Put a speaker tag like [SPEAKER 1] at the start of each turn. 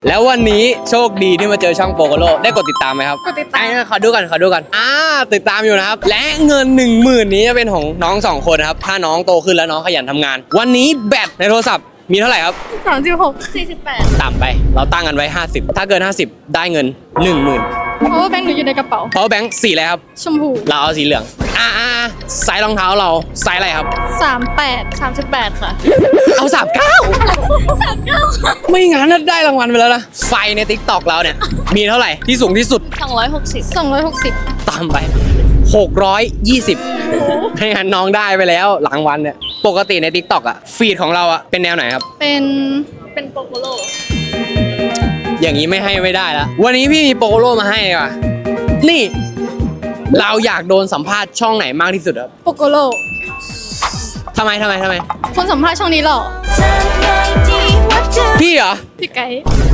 [SPEAKER 1] แล้ววันนี้โชคดีที่มาเจอช่องโปโกโลได้กดติดตามไหมครับ
[SPEAKER 2] กดติดตาม
[SPEAKER 1] ขอดูกันติดตามอยู่นะครับและเงิน 10,000 นี้จะเป็นของน้อง2 คนนะครับถ้าน้องโตขึ้นแล้วน้องขยันทำงานวันนี้แบตในโทรศัพท์มีเท่าไหร่ครับ
[SPEAKER 2] 36 48
[SPEAKER 1] ต่ำไปเราตั้งกันไว้50ถ้าเกิน50ได้เงิน 10,000
[SPEAKER 2] เพราะว่าแบงค์หนูอยู่ในกระเป๋า
[SPEAKER 1] power bank สีอะไรครับ
[SPEAKER 2] ชมพู
[SPEAKER 1] เราเอาสีเหลืองไซส์รองเท้าเราไซส์อะไรครับ
[SPEAKER 2] 38 ค่ะ
[SPEAKER 1] เอา39ไม่งั้นน่ะได้รางวัลไปแล้วนะไฟใน TikTok เราเนี่ยมีเท่าไหร่ที่สูงที่สุด
[SPEAKER 2] 260
[SPEAKER 1] ตามไป620ให้งั้นน้องได้ไปแล้วรางวัลเนี่ยปกติใน TikTok อ่ะฟีดของเราอ่ะเป็นแนวไหนครับ
[SPEAKER 2] เป็นโปโกโล
[SPEAKER 1] อย่างนี้ไม่ได้แล้ววันนี้พี่มีโปโลมาให้ว่ะนี่เราอยากโดนสัมภาษณ์ช่องไหนมากที่สุดครับ
[SPEAKER 2] โปโกโล
[SPEAKER 1] ทำไม
[SPEAKER 2] คนสัมภาษณ์ช่องนี้หรอ
[SPEAKER 1] พี่เหรอ
[SPEAKER 2] พี่ไก่